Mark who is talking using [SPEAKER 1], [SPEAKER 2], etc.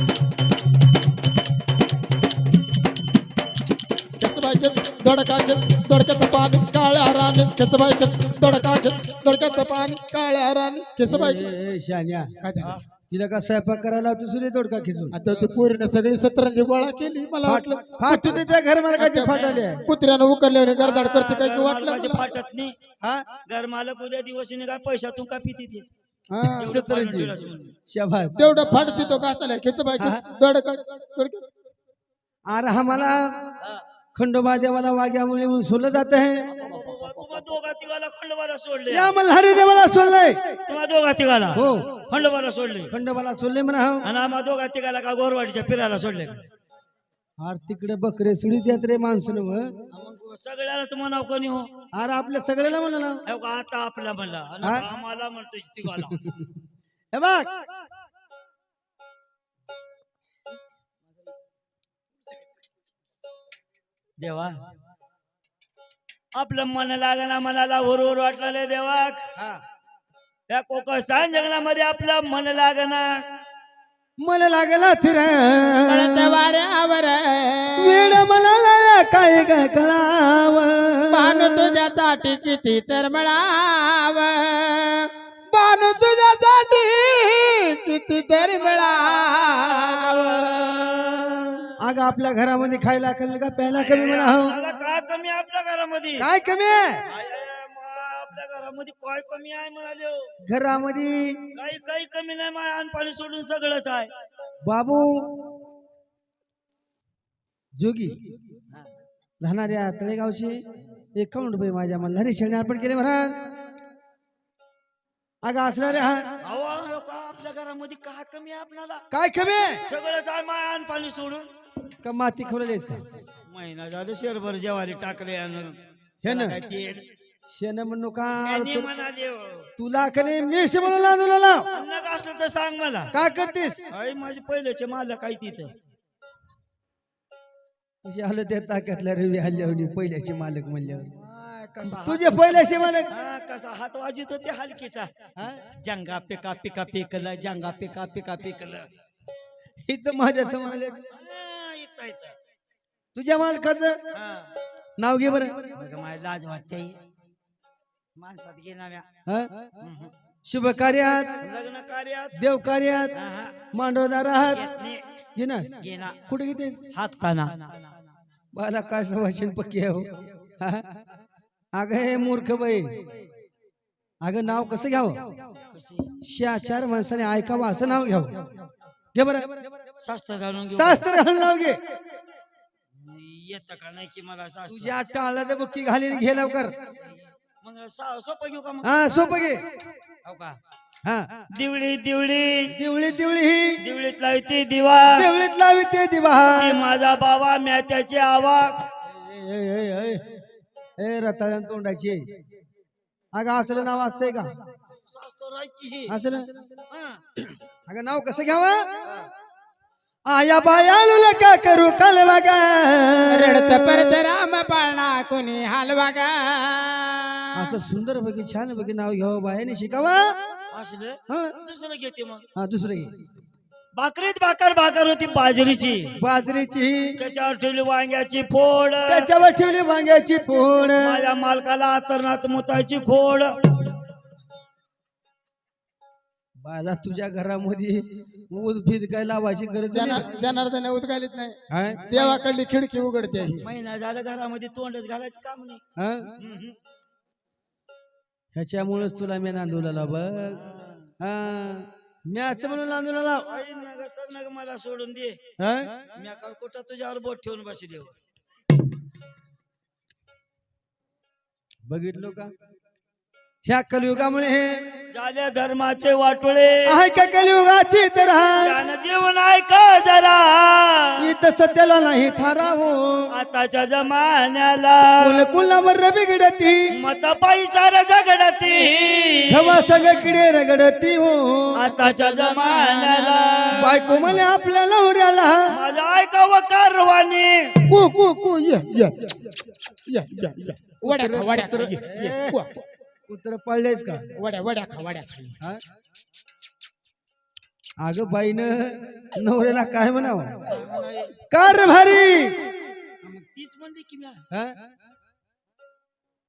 [SPEAKER 1] दोडका दोडक्याचं पाणी काळ्या राणी केसबाई दोडका दोडक्याचं पाणी काळ्या राणी केसबाई
[SPEAKER 2] शान्या
[SPEAKER 1] काय झालं?
[SPEAKER 2] तिला का स्वयंपाक करायला दुसरी दोडका खिसून
[SPEAKER 1] आता ती पोरीने सगळी सतरंजी गोळा केली मला वाटलं
[SPEAKER 2] फाट त्या घर मालकाचे फाटाले
[SPEAKER 1] कुत्र्यानं उकरल्यावर गरदाड करते काय की वाटलं
[SPEAKER 3] मालकाचे
[SPEAKER 1] मला.
[SPEAKER 3] फाटत नाही
[SPEAKER 2] हा
[SPEAKER 3] घर मालक उद्या दिवशीने काय पैशातून का पिती ते
[SPEAKER 1] हा.
[SPEAKER 2] सतरंजी शाबास
[SPEAKER 1] तेवढं फाडते तो घासाला केसबाई दोडका दोडका
[SPEAKER 2] अरे हमारा खंडोबा देवाला वाग्यामुळे म्हणून सोडलं जात आहे
[SPEAKER 3] तुम्हा दोघा तिघाला खंडोबाला सोडले
[SPEAKER 2] या मल्हारी देवाला सोडलंय
[SPEAKER 3] तुम्हा दोघा तिघाला
[SPEAKER 2] हो
[SPEAKER 3] खंडोबाला सोडले
[SPEAKER 2] खंडोबाला सोडले म्हणा हो
[SPEAKER 3] आणि आम्हा दोघा तिघाला का गोरवाडीच्या फिरायला सोडले
[SPEAKER 2] अरे तिकडे बकरे सुडीत येत रे माणसं
[SPEAKER 3] मग सगळ्यालाच म्हणाव कोणी हो
[SPEAKER 2] अरे आपल्या सगळ्याला म्हणा ना
[SPEAKER 3] हो का, आता आपला म्हणला आणि आता आम्हाला म्हणतो तिघाला
[SPEAKER 2] हे बघ
[SPEAKER 3] देवा आपलं मन लागना मनाला हुरहुर वाटलं देवा त्या कोकस्थान जंगलामध्ये आपलं मन लागना
[SPEAKER 2] मला लागला थिर
[SPEAKER 1] वाऱ्यावर
[SPEAKER 2] वेळ मला लागा काय काय कळाव
[SPEAKER 1] बाण तुझ्यासाठी किती तर मिळाव बाण तुझ्यासाठी किती तरी मिळाव
[SPEAKER 2] अगं आपल्या घरामध्ये खायला कमी का प्यायला कमी म्हणा हो
[SPEAKER 3] मला काय कमी आहे आपल्या घरामध्ये
[SPEAKER 2] काय कमी आहे
[SPEAKER 3] आपल्या घरामध्ये काय कमी आहे म्हणाले हो.
[SPEAKER 2] घरामध्ये
[SPEAKER 3] काही कमी नाही माय अन्न पाणी सोडून सगळंच आहे
[SPEAKER 2] बाबू जोगी राहणाऱ्या तळेगावचे 51 रुपये माझ्या मल्हारी शेळणी अर्पण केले महाराज अगं असणाऱ्या
[SPEAKER 3] अहो, अहो, का आपल्या घरामध्ये काय कमी आहे आपल्याला
[SPEAKER 2] काय कमी आहे
[SPEAKER 3] सगळंच आहे माय अन्न पाणी सोडून
[SPEAKER 2] का माती खोलेस का
[SPEAKER 3] महिना झालं शेरभर जेवारी टाकले
[SPEAKER 2] हे ना शेण म्हणू का
[SPEAKER 3] म्हणाले हो.
[SPEAKER 2] तुला कने मेष म्हणून लावला लाव
[SPEAKER 3] अन्न का असलं तर सांग मला
[SPEAKER 2] काय करतेस
[SPEAKER 3] आई माझे पहिलेचे मालक आहे तिथं
[SPEAKER 2] कशी आलं त्या ताक्यातल्या रवी हल्ल्यावर पहिल्याचे मालक म्हणल्यावर
[SPEAKER 3] आय, कसा
[SPEAKER 2] तुझे पहिल्याचे मालक
[SPEAKER 3] कसा हात वाजित होते हलकीचा जंगा पिका पिका पिकलं जंगा पिका पिका पिकलं
[SPEAKER 2] इथं माझ्या समोर
[SPEAKER 3] इथं इथं
[SPEAKER 2] तुझ्या मालकाचं नाव घे बरं
[SPEAKER 3] मला लाज वाटते माणसात घे नाव्या
[SPEAKER 2] शुभ कार्यात
[SPEAKER 3] लग्न कार्यात
[SPEAKER 2] देव कार्यात मांडवदार आहात घे ना
[SPEAKER 3] घेना
[SPEAKER 2] कुठे घेते
[SPEAKER 3] हात काना
[SPEAKER 2] बाला काय सवाशीन पक्की आहे हो अगं हे मूर्ख बाई अगं नाव कसं घ्यावं चार माणसाने ऐकावं असं नाव घ्यावं घे बरं
[SPEAKER 3] शास्त्र घालून घेऊ
[SPEAKER 2] शास्त्र घालून नाव घे
[SPEAKER 3] येत का नाही की मला शास्त्र
[SPEAKER 2] तुझ्या टाळला तर बुक्की घालीन घे लवकर
[SPEAKER 3] मग सोपं घेऊ का मग
[SPEAKER 2] हा सोपं घे
[SPEAKER 3] हो का
[SPEAKER 2] हा
[SPEAKER 3] दिवळी दिवळी
[SPEAKER 2] दिवळी दिवळी ही
[SPEAKER 3] दिवळीत लावते दिवा
[SPEAKER 2] देवळीत लावी ते दिवा
[SPEAKER 3] ती माझा बाबा म्या त्याचे आवाज
[SPEAKER 2] ए रताळ्यान तोंडाची अगं असलं नाव असतंय का असलं अगं नाव कसं घ्यावं आया बायालू का करू कालवा गा
[SPEAKER 1] रडत परत राम पाळणा कोणी हलवा गा
[SPEAKER 2] असं सुंदर पैकी छान पैकी नाव घ्यावं बायाने शिकावा
[SPEAKER 3] असलं दुसरं घेते मग
[SPEAKER 2] हा दुसरं घे
[SPEAKER 3] भाकरीत भाकर होती बाजरीची
[SPEAKER 2] बाजरीची
[SPEAKER 3] त्याच्यावर ठेवली वांग्याची फोड
[SPEAKER 2] त्याच्यावर ठेवली वांग्याची फोड
[SPEAKER 3] माझ्या मालकाला अतरणात मुताची खोड
[SPEAKER 2] बाला तुझ्या घरामध्ये उद्भिद काय लावायची गरज नाही
[SPEAKER 1] जनार्दन उदगालीत नाही
[SPEAKER 2] हाय?
[SPEAKER 1] देवाकडली खिडकी उघडते ही.
[SPEAKER 3] महिना झालं घरामध्ये तोंडच घालायचं काम नाही
[SPEAKER 2] हा? ह्याच्यामुळेच तुला मी नांदूला बघ हा मॅच म्हणून नांदूला लाव
[SPEAKER 3] आई नग तर नग मला सोडून दे
[SPEAKER 2] हा?
[SPEAKER 3] मी काल कुठं तुझ्यावर बोट ठेवून बसले
[SPEAKER 2] बघितलो का ह्या कलियुगामुळे हे
[SPEAKER 3] झाले धर्माचे वाटोळे
[SPEAKER 2] आहे का कलियुगाची तर
[SPEAKER 3] ज्ञान देऊन ऐका जरा
[SPEAKER 2] इथं सत्याला नाही थारावो
[SPEAKER 3] आताच्या जमान्याला
[SPEAKER 2] कुलकुलावर बिघडती
[SPEAKER 3] मत पैसा झगडती
[SPEAKER 2] हवा सगळं किडे रगडती हो
[SPEAKER 3] आताच्या जमान्याला
[SPEAKER 2] बायको म्हणे आपल्या नवऱ्याला
[SPEAKER 3] माझं ऐकावं कारवानी
[SPEAKER 1] कू कू कू ये वड्या खा वड्या खा, ये. कू.
[SPEAKER 2] कुत्र पळलेस का
[SPEAKER 1] वड्या वड्या खा वड्या खा
[SPEAKER 2] हा? अगं बाईनं नवऱ्याला काय म्हणावं कार भारी
[SPEAKER 3] तीच म्हणली की
[SPEAKER 2] हा?